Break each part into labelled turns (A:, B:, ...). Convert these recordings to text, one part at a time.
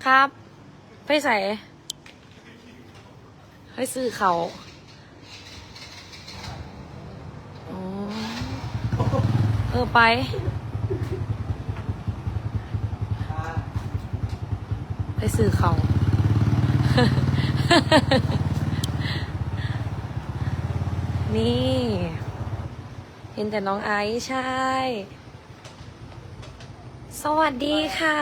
A: ครับไปใส่ให้ซื้อเขาอ๋อไปซื้อเขา นี่ เห็นแต่น้องไอซ์ใช่ สวัสดีค่ะ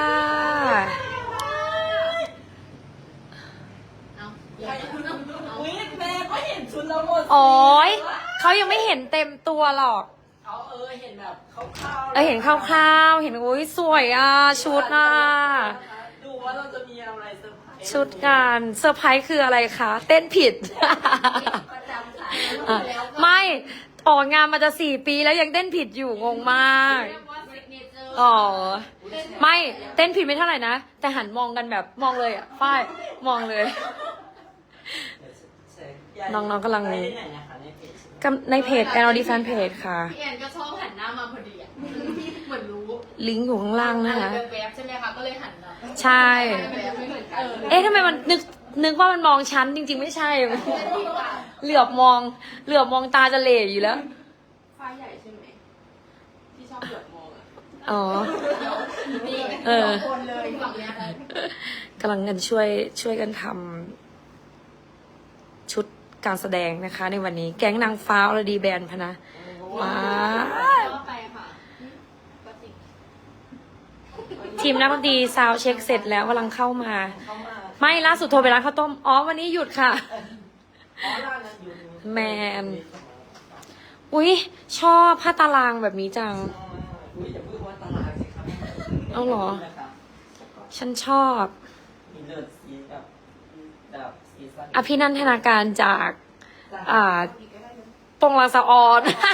B: อุ๊ยแม่ก็เห็นชุดแล้วหมด
A: โอ้ยเขายังไม่เห็นเต็มตัวหรอก
B: เขาเห็นแบบคร่าวๆ
A: เห็นคร่าวๆเห็นโอ้ยสวยอ่ะชุดอ่ะ
B: ดูว่าเราจะมีอะไรเซอร์ไพรส์
A: ชุดงานเซอร์ไพรส์คืออะไรคะ เต้นผิด
B: ประจำสาย
A: ไม่ออกงานมาจะ4 ปีแล้วยังเต้นผิดอยู่งงมากอ๋อไม่เต้นผิดไม่เท่าไหร่นะแต่หันมองกันแบบมองเลยอ่ะฝ้ายมองเลย น้องๆกำลัง
B: ไปที่ไหนนะคะในเพจ
A: ในเพจ NLD Fan Page ค่ะ
C: พี่แอนก็ชอบหันหน้ามาพอดีอ่ะเหมือนรู้
A: ลิงก์อยู่ข้างล่างนะคะ
C: แวบๆใช่ไหมคะก็เลยหันมา
A: ใช่
C: แวบๆไม่เหมือนกัน
A: เอ๊ะทำไมมันนึกว่ามันมองฉันจริงๆไม่ใช่ เหลือบมองตาจะเหล่อยู่แล้ว
C: ฟ้าใหญ่ใช่ไหมที่ชอบเหลือบมองอ่ะ
A: อ๋อ
C: นี่
A: เออ
C: สองคนเลยฝั่งเนี้ย
A: กำลังกันช่วยกันทำชุดการแสดงนะคะ ในวันนี้แก๊งนางฟ้าอรดีแบนด์พะนะว้า
C: ก็ไปค่ะก็จริง
A: ทีมนักดนตรีซาวด์เช็คเสร็จแล้วกำลังเข้ามา
B: เข้ามา
A: ไม่ล่าสุดโทรไปร้านข้าวต้มอ๋อวันนี้หยุดค่ะ
B: อ๋อร้านนั้นอยู่
A: แมน อุ๊ย ชอบผ้าตารางแบบนี้จัง
B: อุ๊ยอย่าพูดว่าตลาดสิครับ
A: เอาเหรอ ฉันชอบ
B: มีเลือดสีแบบสีสัน
A: อภินันทนาการจากปงลางสะออน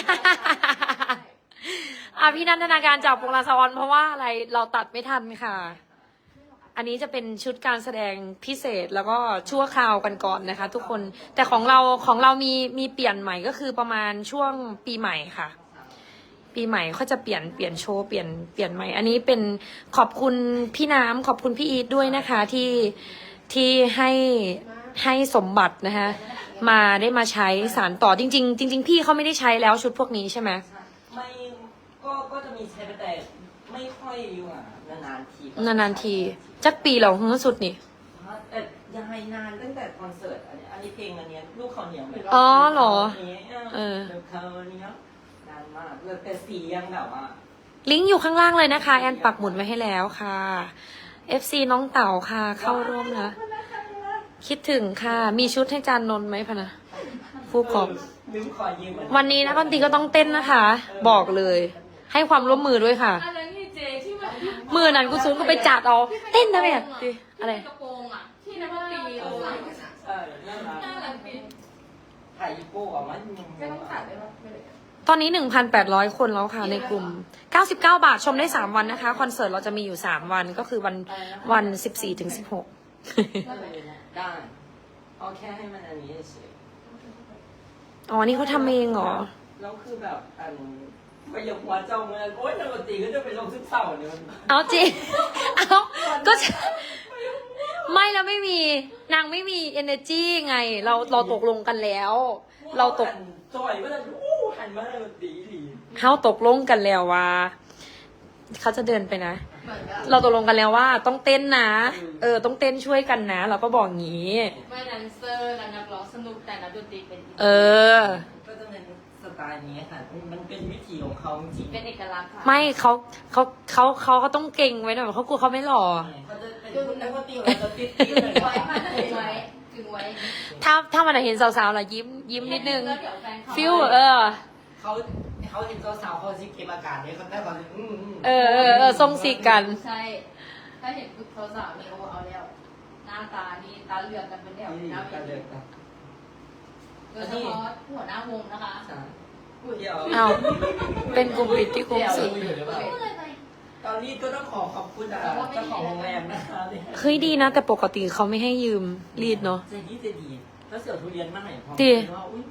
A: อภินันทนาการจากปงลางสะออนเพราะว่าอะไรเราตัดไม่ทันค่ะ อันนี้จะเป็นชุดการแสดงพิเศษแล้วก็ชั่วคราวกันก่อนนะคะ ทุกคนแต่ของเรามีเปลี่ยนใหม่ก็คือประมาณช่วงปีใหม่ค่ะ ปีใหม่เขาจะเปลี่ยนโชว์เปลี่ยนใหม่ อันนี้เป็นขอบคุณพี่น้ำขอบคุณพี่อีทด้วยนะคะที่ให้สมบัตินะคะมาได้มาใช้สารต่อจริง ๆ จริง ๆ พี่เขาไม่ได้ใช้แล้วชุดพวกนี้ใช่ไหม
B: ไม่ก็จะมีใช้ไปแต่ไม่ค่อยอยู่อ่ะนานๆที
A: นานๆทีจักปีเราหึงสุดนี่
B: แต่ยังไงนานตั้งแต่คอนเสิร์ตอันนี้เพลงอันเนี้ยลูกเขาเหนียว
A: อ๋อเหรอ
B: เออลูกเขาเหนียวนานมากเลยแต่สียังแบบว่า
A: ลิงก์อยู่ข้างล่างเลยนะคะ แอนปักหมุดไว้ให้แล้วค่ะ FC น้องเต่าค่ะ เข้าร่วมนะ คิดถึงค่ะ มีชุดให้จานนนท์ไหมพะนะผู้กอง
B: ลืมขอยืม
A: วันนี้นะดนตรีก็ต้องเต้นนะคะ บอกเลย ให้ความร่วมมือด้วยค่ะ
C: อันนั้นที่เจที่มัน
A: มือนั้นกูซูนก็ไปจัดเอาเต้นนะแม่ดิอะไร
C: กระโปรงอ่ะที่นักดนตรีเอาไว้
B: น่ารัก
C: น่ารักดี
B: ถ่ายอีโก้ออกมา
C: ไม่ต้องตัดได้ปะไม่เลย
A: ตอนนี้ 1,800 คนแล้วค่ะในกลุ่ม 99 บาทชมได้ 3 วันนะคะ คอนเสิร์ตเราจะมีอยู่ 3 วันก็คือวัน 14 ถึง 16
B: ได้เอาแค่ให้มันอันนี้เฉย
A: อ๋อ นี่เขาทำเองเหรอ
B: แล้วคือแบบไปยกหัวเจ้าเมืองโอ๊ยนักดนตรีก็จะเป็นลมซึมเศร้าเนี่ย
A: เอาจริง เอาก็จะไม่แล้วไม่มีนางไม่มี energy ไง เราตกลงกันแล้ว เราตก
B: จอยก็จะอู้หันมาให้ดนตรีดี
A: เขาตกลงกันแล้วว่าเขาจะเดินไปนะ
C: เหมือนกับ
A: เราตกลงกันแล้วว่าต้องเต้นนะ ต้องเต้นช่วยกันนะ เราก็บอกงี้
C: ไม่แดนเซอร์และนักร้องสนุกแต่นักดนตรีเป็น
A: เออ
B: ก็จะเป็นสไตล์นี้ค่ะมันเป็นวิถีของเขาจริง
C: เป็นเอกลักษณ์ค่ะ
A: ไม่เขาก็ต้องเก่งไว้หน่อยเขากลัวเขาไม่หล่อ
B: เขาจะเป็นนักดนตรีของเราติดๆเลย
C: ไว้ค่ะถึงไว้ถึงไว้
A: ถ้ามันเห็นสาวๆล่ะยิ้มนิดนึง
C: แล้วเดี๋ยวแฟนเขา
A: ฟิล
B: เขาเห็นสาวๆเขาสิเก็บอากาศเนี่ยเขาได้แบบ
A: ทรงสีกัน
C: ใช่ ถ้าเห็นปุ๊บเขาสาวนี่โอ้เอาแล้ว หน้าตานี่ตาเหลือกกันเป็นแถว
B: นี่
C: หน้าเว
B: กันเล
C: ที
B: ยครับ
C: โดยเฉพาะหัวหน้าวงนะคะ
B: เดี๋ยว
A: เอาเป็นกลุ่มปิดที่กลุ่มสี
B: ตอนนี้ก็ต้องขอบคุณเจ้าของโรงแรมนะคะ
A: เฮ้ยดีนะ แต่ปกติเขาไม่ให้ยืมรีดเนาะ
B: ใจดีแล้วเสี่ยวทุเรียนมาให้พอ
A: ดี
B: ว่าอุ้ย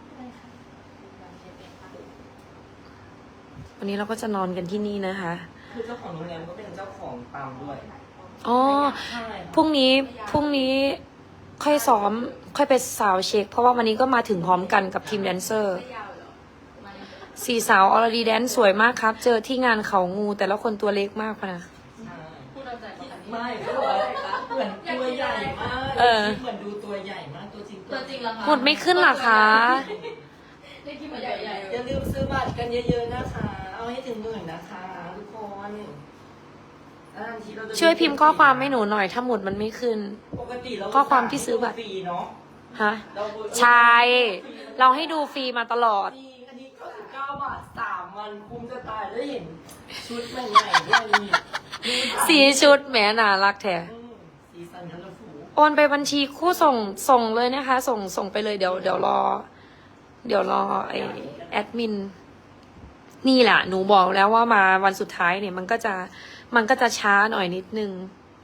A: วันนี้เราก็จะนอนกันที่นี่นะคะ
B: คือเจ้าของโรงแรมก็เป็นเจ้าของปั๊มด้วย
A: อ๋อ
B: ใช่
A: พรุ่งนี้ค่อยซ้อม ค่อยไปสาวเช็ค เพราะว่าวันนี้ก็มาถึงพร้อมกันกับทีมแดนเซอร์
C: ไม่ยาวเหรอมา
A: สี่สาวอรดีแดนสวยมากครับ เจอที่งานเขางู แต่ละคนตัวเล็กมากพะนะ
B: ใช่
C: พูดเอาใจประกันนี้
B: ไม่เขาบอกว่าเหมือนตัวใหญ่มาก
A: เออ
B: เหมือนดูตัวใหญ่มากตัวจริง
C: ตัวจริงเหรอคะ
A: หมดไม่ขึ้นเหรอคะ
C: ได้กินมาใหญ่
B: อย่าลืมซื้อบัตรกันเยอะๆนะคะ เอาให้ถึง10,000นะคะทุกคนทีเราจะ
A: ช่วยพิมพ์ข้อความให้หนูหน่อย ถ้าหมุดมันไม่ขึ้น
B: ปกติเรา
A: ข้อความที่ซื้อบัตร
B: ฟรีเนาะ
A: ฮะ
B: เรา
A: ใช่ เราให้ดูฟรีมาตลอด
B: จริงอันนี้99 บาท3 วันคุ้มจะตายได้เห็นชุดใหม่ๆด้วยนี่
A: สีชุดแหมน่ารักแท้
B: สีสันคัลเลอร์ฟูล
A: โอนไปบัญชีคู่ส่งเลยนะคะ ส่งไปเลยเดี๋ยวรอไอแอดมิน นี่แหละหนูบอกแล้วว่ามาวันสุดท้ายเนี่ย มันก็จะช้าหน่อยนิดนึง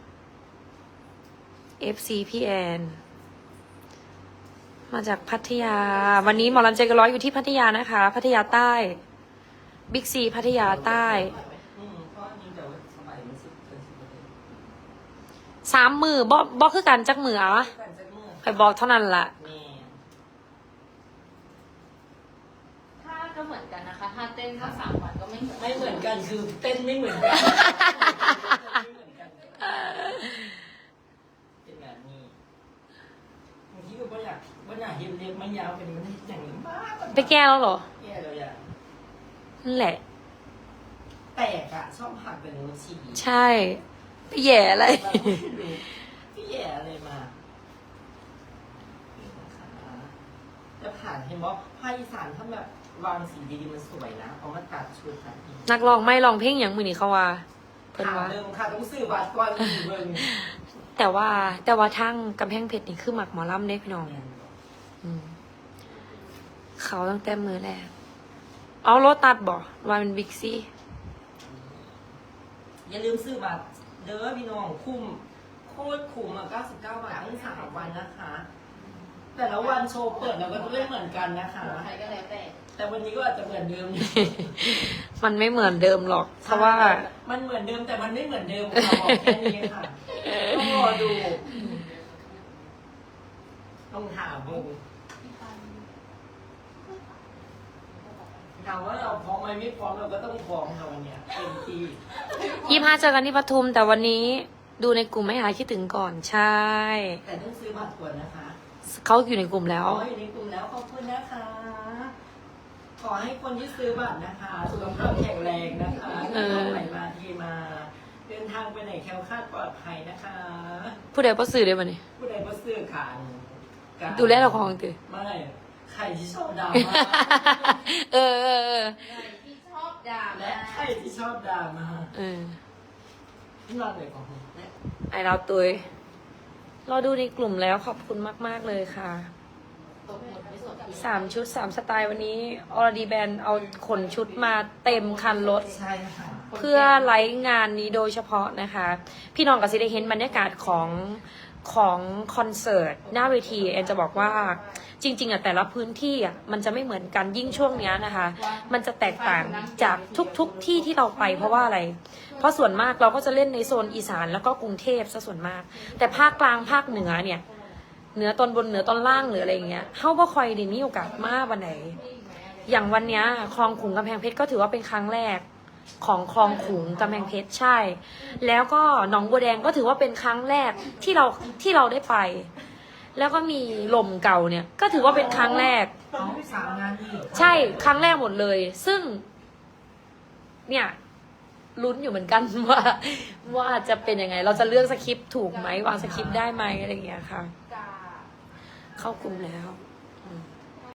A: FC พี่แอนมาจากพัทยา วันนี้หมอลำใจเกันร้อยอยู่ที่พัทยานะคะ พัทยาใต้บิ๊กซีพัทยาใต้
B: เพราะอันนี้เดี๋ยวสมัยมัน10 เกิน
A: 3 มือบอกคือกันจักมืออ่ะ
B: 10กันจักเมื่อ
A: ใครบอกเท่านั้นล่ะ
B: แม่
C: ถ้าก็เหมือนกันนะคะ ถ้าเต้นก็3 วันก็ไม่เหมือน
B: ไม่เหมือนกันคือเต้นไม่เหมือนกันเป็นแบบนี้บางทีก็ไม่อยากเห็นเล็บมันยาวเป็นมันอย่างนี้มาก
A: ไปแก้แล้วเหรอ
B: แก้แล้วอย่าง
A: นั่นแหละ
B: แตกอะชอบหักเป็นนิ้วชี้
A: ใช่ ไปแย่อะไร
B: พี่แย่อะไรมานี่นะคะจะผ่านเห็นบอกภาคอีสานถ้าแบบวางสีดีๆมันสวยนะเอามาตัดชุดค่ะ
A: นักร้องไม่ร้องเพลงอย่างมือนี่เขาว่าเพิ่น
B: ขา
A: ว่า
B: เดิมค่ะต้องซื้อบัตรก่อนเบิ่ง
A: แต่ว่าทั้งกำแพงเพชรนี่คือหมักหมอลำเด้พี่น้องอืมเขาตั้งแต่มือแรกเอารถตัดบ่ว่าเป็นบิ๊กซี
B: อย่าลืมซื้อบัตรเด้อพี่น้องคุ้มโคตรคุ้มอ่ะ99 บาททั้ง3 วันนะคะ แต่ละวันโชว์เปิดเราก็จะไม่เหมือนกันนะคะ
C: ใครก็แล้วแต่
B: แต่วันนี้ก็อาจจะเหมือนเดิม
A: มันไม่เหมือนเดิมหรอก เพราะว่า
B: มันเหมือนเดิมแต่มันไม่เหมือนเดิมค่ะบอกแค่นี้ค่ะต้องรอดูต้องถามมึงถามว่าเราพร้อมไหมไม่พร้อมเราก็ต้องพร้อมค่ะวันเนี้ยเต็มที่
A: 25เจอกันที่ปทุม แต่วันนี้ดูในกลุ่มไม่หายคิดถึงก่อนใช่
B: แต่ต้องซื้อบัตรก่อนนะคะ
A: เขาอยู่ในกลุ่มแล้ว
B: ขออยู่ในกลุ่มแล้วขอบคุณนะคะ ขอให้คนที่ซื้อบัตรนะคะสุขภาพแข็งแรงนะคะ
A: เออ
B: ไปมาที่มา เดินทางไปไหนแคล้วคลาดปลอดภัยนะคะ
A: ผู้ใดประสื่อได้บ่เนี่ย
B: ผู้ใดก็ซื้อขาน
A: ดูแลเราของตือ
B: ไม่ใครที่ชอบดราม่า
A: เออ
C: ใครที่ชอบด่า
B: และใครที่ชอบดราม่า
A: เออ
B: ที่นอนเลยของผมและ
A: ไอเราตุยเราดูในกลุ่มแล้วขอบคุณมากๆเลยค่ะ
C: ตกหมดไม่สนใจ
A: 3 ชุด 3 สไตล์วันนี้อรดีแบนเอาขนชุดมาเต็มคันรถ
B: ใช่ค่ะ
A: เพื่อไลฟ์งานนี้โดยเฉพาะนะคะ พี่น้องกับซิได้เห็นบรรยากาศของคอนเสิร์ตหน้าเวทีแอนจะบอกว่าจริงๆอ่ะแต่ละพื้นที่อ่ะมันจะไม่เหมือนกันยิ่งช่วงเนี้ยนะคะ มันจะแตกต่างจากทุกที่ที่เราไปเพราะว่าอะไร เพราะส่วนมากเราก็จะเล่นในโซนอีสานแล้วก็กรุงเทพซะส่วนมาก แต่ภาคกลางภาคเหนือเนี่ยเหนือตอนบนเหนือตอนล่างหรืออะไรอย่างเงี้ยเฮาบ่ค่อยได้มีโอกาสมาวันไหน อย่างวันเนี้ยคลองขุงกำแพงเพชรก็ถือว่าเป็นครั้งแรกของคลองขุงกำแพงเพชรใช่ แล้วก็หนองบัวแดงก็ถือว่าเป็นครั้งแรกที่เราได้ไป แล้วก็มีลมเก่าเนี่ย ก็ถือว่าเป็นครั้งแรก
B: ต้องไป3 งานอีก
A: ใช่ครั้งแรกหมดเลย ซึ่ง เนี่ยลุ้นอยู่เหมือน กัน ว่าจะเป็นยังไง เราจะเลือกสคริปต์ถูกไหมวางสคริปต์ได้ไหมอะไรอย่างเงี้ยค่ะ
C: กา
A: เข้ากลุ่มแล้ว